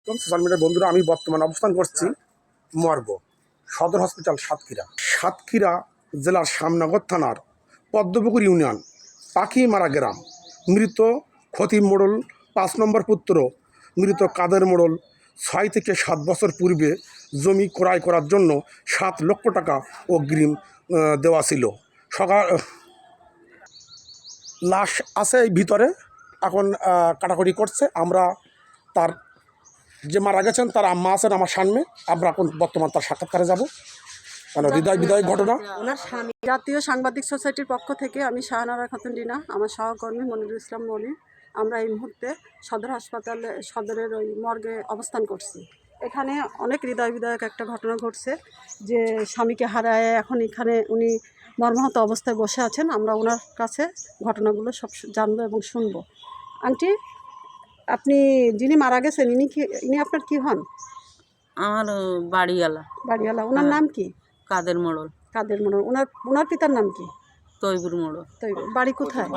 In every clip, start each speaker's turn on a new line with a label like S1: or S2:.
S1: এবং সোশ্যাল মিডিয়ার বন্ধুরা, আমি বর্তমানে অবস্থান করছি মর্গ সদর হসপিটাল সাতক্ষীরা জেলার শ্যামনগর থানার পদ্মপুকুর ইউনিয়ন পাখিমারা গ্রাম। মৃত খতিব মোড়ল ৫ নম্বর পুত্র মৃত কাদের মোড়ল ৬ থেকে ৭ বছর পূর্বে জমি ক্রয় করার জন্য ৭ লক্ষ টাকা অগ্রিম দেওয়া ছিল। লাশ আছে এই ভিতরে, এখন কাটাকুটি করছে। আমরা তার যে মারা গেছেন তার আম্মা আছেন আমার সামনে, আমরা এখন বর্তমান তার সাক্ষাৎকারে যাব। মানে হৃদয় বিদায় ঘটনা।
S2: ওনার স্বামী জাতীয় সাংবাদিক সোসাইটির পক্ষ থেকে আমি শাহনারা খাতুন রিনা, আমার সহকর্মী মনিরুল ইসলাম মনি, আমরা এই মুহূর্তে সদর হাসপাতালে সদরের ওই মর্গে অবস্থান করছি। এখানে অনেক হৃদয় বিদায়ক একটা ঘটনা ঘটছে যে স্বামীকে হারায় এখন এখানে উনি মর্মাহত অবস্থায় বসে আছেন। আমরা ওনার কাছে ঘটনাগুলো সব জানবো এবং শুনবো। আন্টি, আপনি যিনি মারা গেছেন ইনি আপনার কি হন?
S3: আমার বাড়িওয়ালা।
S2: ওনার নাম কি?
S3: কাদের মোড়ল।
S2: ওনার পিতার নাম কি?
S3: তৈবুর মোড়ল।
S2: বাড়ি কোথায়?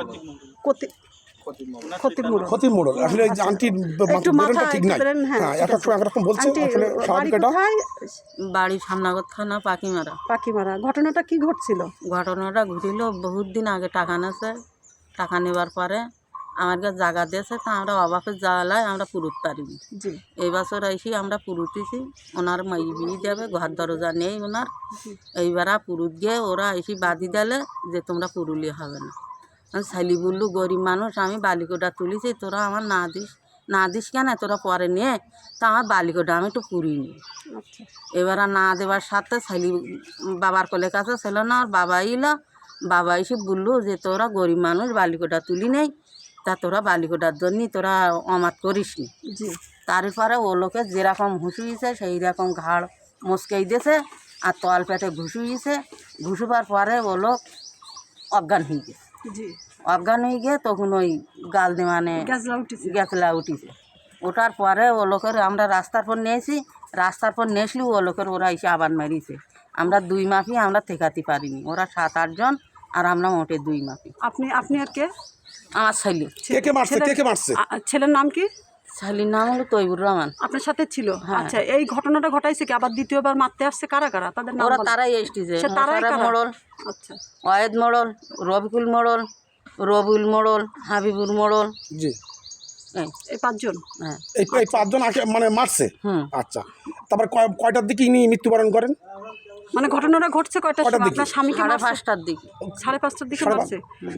S1: খতিব মোড়ল। আসলে এই যে আন্টির বেরোনটা ঠিক নাই। হ্যাঁ, একরকম বলছে। আসলে স্বাভাবিকটা
S3: বাড়ি শ্যামনগর থানা পাখিমারা।
S2: ঘটনাটা কি ঘটছিল?
S3: ঘটনাটা ঘটিল বহুত দিন আগে। টাকা নেবার পরে আমার কাছে জায়গা দিয়েছে, তা আমরা অবাকের জ্বালায় আমরা পুরুত পারিনি। এই বছর এসে আমরা পুরুতেছি। ওনার মাই বিয়ে দেবে, ঘর দরজা নেই ওনার। এইবার পুরুত গিয়ে ওরা এসে বাঁধি দিলে যে তোমরা পুরুলি হবে না। ছেলি বললু গরিব মানুষ, আমি বালিকোটা তুলেছি, তোরা আমার না দিস কেন, তোরা পরে নিয়ে। তা আমার বালিকোটা আমি একটু পুরিনি। এবার না দেওয়ার সাথে ছেলি বাবার কোলের কাছে ছিল না, আর বাবা এসে বললো যে তোরা গরিব মানুষ বালিকোটা তুলি নেই, তা তোরা বালিকোটার জন্যই তোরা অমাত করিস নি। তারপরে ও লোকে যেরকম ঘুষুইছে সেই রকম ঘাড় মস্কেই দিয়েছে আর তল পেটে ঘুষুইছে। ঘুষুবার পরে ও লোক অজ্ঞান হয়ে গেছে। অজ্ঞান হয়ে গিয়ে তখন ওই গাল দেওয়ানে গ্যাসলা উঠিছে। ওঠার পরে ও লোকের আমরা রাস্তার পর নিয়েছি। রাস্তার পর নিয়েছিলি ও লোকের ওরা এসে আবার মেরিছে। আমরা 2 মাফি আমরা ঠেকাতে পারিনি। ওরা 7-8 জন আর আমরা মোটে 2 মাফি।
S2: আপনি আর কে?
S3: আমার ছেলে।
S1: কে মারছে?
S2: ছেলের নাম কি?
S3: ছেলের নাম হলো তৈবুর রহমান।
S2: আপনার সাথে ছিল? আচ্ছা, এই ঘটনাটা ঘটাইছে কি? আবার দ্বিতীয়বার মারতে আসছে কারা? তাদের নাম?
S3: তারাই এসেছে। মোড়ল,
S2: আচ্ছা,
S3: ওয়াহেদ মোড়ল, রবিকুল মোড়ল, রবিউল মোড়ল, হাবিবুর মোড়ল।
S1: জি,
S2: এই 5 জন।
S1: হ্যাঁ, এই 5 জন মানে মারছে। আচ্ছা, তারপর কয়টার দিকে ইনি মৃত্যুবরণ করেন?
S2: মানে ঘটনাটা ঘটছে কয়টার সময়? আপনার স্বামীকে
S3: 5:30টার দিকে।
S2: 5:30টার দিকে মারছে।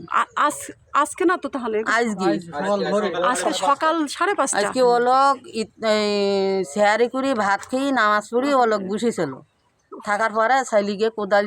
S2: আজকে না তো, তাহলে আজকে সকাল 5:30।
S3: আজকে ও লোক শেয়ারি করি ভাত খেয়ে নামাজ পড়ি ও লোক বসেছিল। থাকার পরে ছেলিকে কোদাল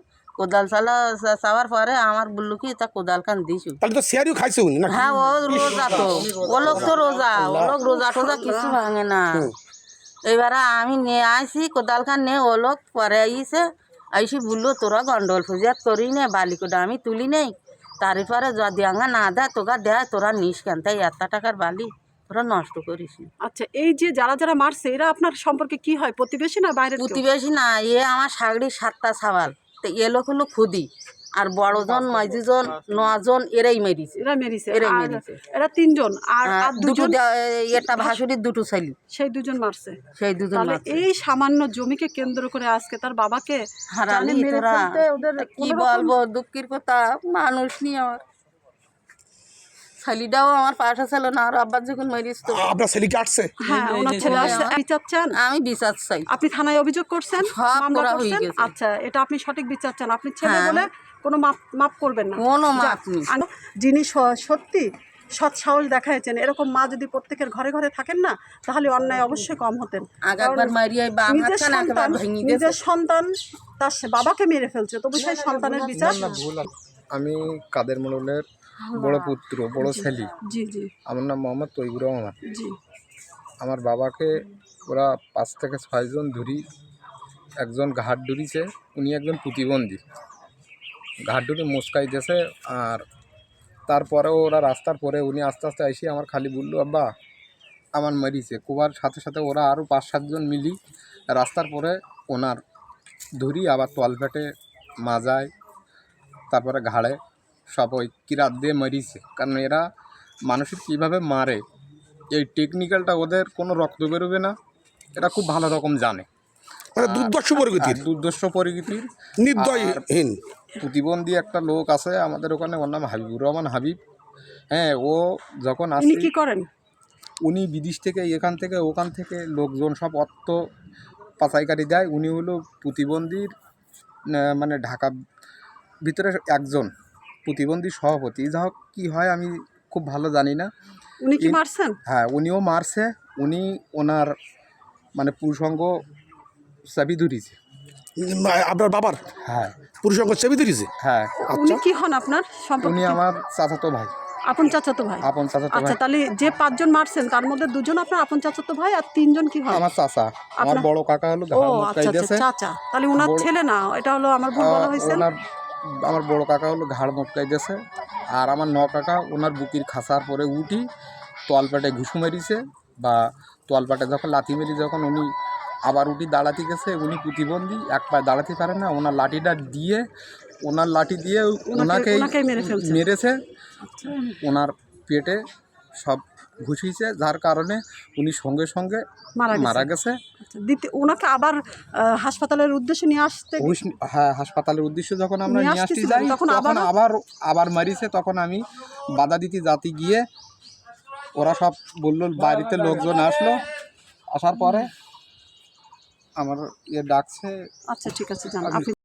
S3: চাওয়ার পরে আমার বললো কি তা কোদাল খান দিছু।
S1: তাহলে তো শেয়ারিও খাইছে উনি না?
S3: হ্যাঁ, ও রোজা তো। ও লোক তো রোজা টোজা কিছু ভাঙে না। এইবারে আমি নিয়ে আসি কোদাল খান নিয়ে। ও লোক পরে আইসি বললো তোরা গন্ডল ফুজিয়াত করি নে, বালিকোটা আমি তুলি নেই। তারপরে যদি আঙা না দেয় তোরা দেয়, তোরা নিস কেন, তাই 1 টাকার বালি তোরা নষ্ট করিস।
S2: আচ্ছা, এই যে যারা মারছে এরা আপনার সম্পর্কে কি হয়? প্রতিবেশী না বাইরের?
S3: প্রতিবেশী না, আমার সাগড়ি 7টা সাবাল। তো এ লোক হলো খুদি, আর বড়জন 9 জন এরাই মেরিছে।
S2: এরা 3 জন আর 2 জন।
S3: এটা ভাসুরির 2টো ছেলে,
S2: সেই 2 জন মারছে।
S3: তাহলে
S2: এই সামান্য জমিকে কেন্দ্র করে আজকে তার বাবাকে
S3: হারালি। তোরা কি বলবো, দুঃখের কথা। মানুষ নিয়ে আমার ছেলেটাও আমার পাশে ছিল না, আর আব্বার যখন মেরিস তো
S1: আপনার ছেলেকে আসছে।
S2: হ্যাঁ, ওনার ছেলে আসছে। বিচার চান?
S3: আমি বিচার চাই।
S2: আপনি থানায় অভিযোগ করছেন?
S3: সব করা হয়ে গেছে।
S2: আচ্ছা, এটা আপনি সঠিক বিচার চান? আপনি ছেলে বলে কোনো মাপ করবেন না?
S3: কোনো মাপ নেই।
S2: যিনি সত্যি সৎ সাহস দেখাইছেন, এরকম মা যদি প্রত্যেকের ঘরে ঘরে থাকেন না, তাহলে অন্যায় অবশ্যই কম হতেন। নিজের সন্তান তার বাবাকে মেরে ফেলছে, তবু সেই সন্তানের বিচার।
S4: আমি কাদের মোড়লের বড় পুত্র, বড় ছেলে।
S2: জি।
S4: আমার নাম মোহাম্মদ তৈবুর রহমান।
S2: জি।
S4: আমার বাবাকে ওরা 5 থেকে 6 জন ধরি একজন ঘাট ডুরিছে। উনি একজন প্রতিবন্ধী, ঘাট ডুরি মস্কাই দিয়েছে। আর তারপরেও ওরা রাস্তার পরে উনি আস্তে আস্তে এসে আমার খালি বললো আব্বা আমার মারিছে। কোবার সাথে সাথে ওরা আরও 5-7 জন মিলি রাস্তার পরে ওনার ধরি, আবার তলপেটে, মাজায়, তারপরে ঘাড়ে সব ওই কিরাত দিয়ে মারিছে। কারণ এরা মানুষের কীভাবে মারে এই টেকনিক্যালটা ওদের কোনো রক্ত বেরোবে না, এটা খুব ভালো রকম জানে।
S1: মানে দুর্দর্শ প্রকৃতির,
S4: দুর্দর্শ প্রকৃতির,
S1: নির্দয়হীন।
S4: প্রতিবন্ধী একটা লোক আছে আমাদের ওখানে, ওর নাম হাবিবুর রহমান হাবিব। হ্যাঁ, ও যখন
S2: উনি
S4: আসে,
S2: কি করেন?
S4: উনি বিদেশ থেকে এখান থেকে ওখান থেকে লোকজন সব অর্থ পাচাইকারি দেয়। উনি হলো প্রতিবন্ধীর মানে ঢাকা ভিতরে একজন প্রতিবন্ধী সভাপতি। যা হোক, কী হয় আমি খুব ভালো জানি না।
S2: উনি কি মারছেন?
S4: হ্যাঁ, উনিও মারছে। উনি ওনার মানে পুরুষঙ্গ চাবি ধরিয়েছে।
S1: আপনার বাবার
S4: হ্যাঁ
S1: পুরুষঙ্গ চেপে ধরেছে?
S4: হ্যাঁ,
S2: উনি কি হন আপনার সম্পর্কে?
S4: উনি আমার চাচাতো ভাই।
S2: আপন চাচাতো ভাই?
S4: আপন চাচাতো
S2: আচ্ছা,
S4: ভাই।
S2: তাহলে যে 5 জন মারছেন তার মধ্যে 2 জন আপনার আপন চাচাতো ভাই আর 3 জন কি হয়?
S4: আমার চাচা, আমার
S2: আপনার-
S4: বড় কাকা হলো
S2: ও
S4: ঘাড়
S2: আচ্ছা
S4: মটকাই
S2: আচ্ছা,
S4: দিয়েছে।
S2: চাচা। তাহলে ওনার ছেলে না, এটা হলো আমার ভুল বলা হয়েছে।
S4: আমার বড় কাকা হলো ঘাড় মটকাই দিয়েছে। আর আমার কাকা ওনার বুকির খাসার পরে উঠি তোয়ালপাটে ঘুষু মেরিছে, বা তোয়ালপাটে যখন লাথি মেরি, যখন উনি আবার উঠি দাঁড়াতে গেছে, উনি প্রতিবন্ধী, এক পায়ে দাঁড়াতে পারে না, ওনার লাঠিটা দিয়ে, ওনার লাঠি দিয়ে
S2: ওনাকেই মেরে ফেলছে।
S4: মেরেছে। ওনার পেটে সব ঘুষিয়েছে, যার কারণে উনি সঙ্গে সঙ্গে মারা গেছে।
S2: আচ্ছা, ওনাকে আবার হাসপাতালের উদ্দেশ্যে নিয়ে আসতে,
S4: হ্যাঁ, হাসপাতালের উদ্দেশ্যে যখন আমরা নিয়ে আসতে
S2: আসতেছিলেন,
S4: যাই,
S2: তখন
S4: তখন আবার মারিছে। তখন আমি বাধা দিতে যাতে গিয়ে ওরা সব বললো, বাড়িতে লোকজন আসলো, আসার পরে আমার ডাকছে।
S2: আচ্ছা ঠিক আছে, জান আপনি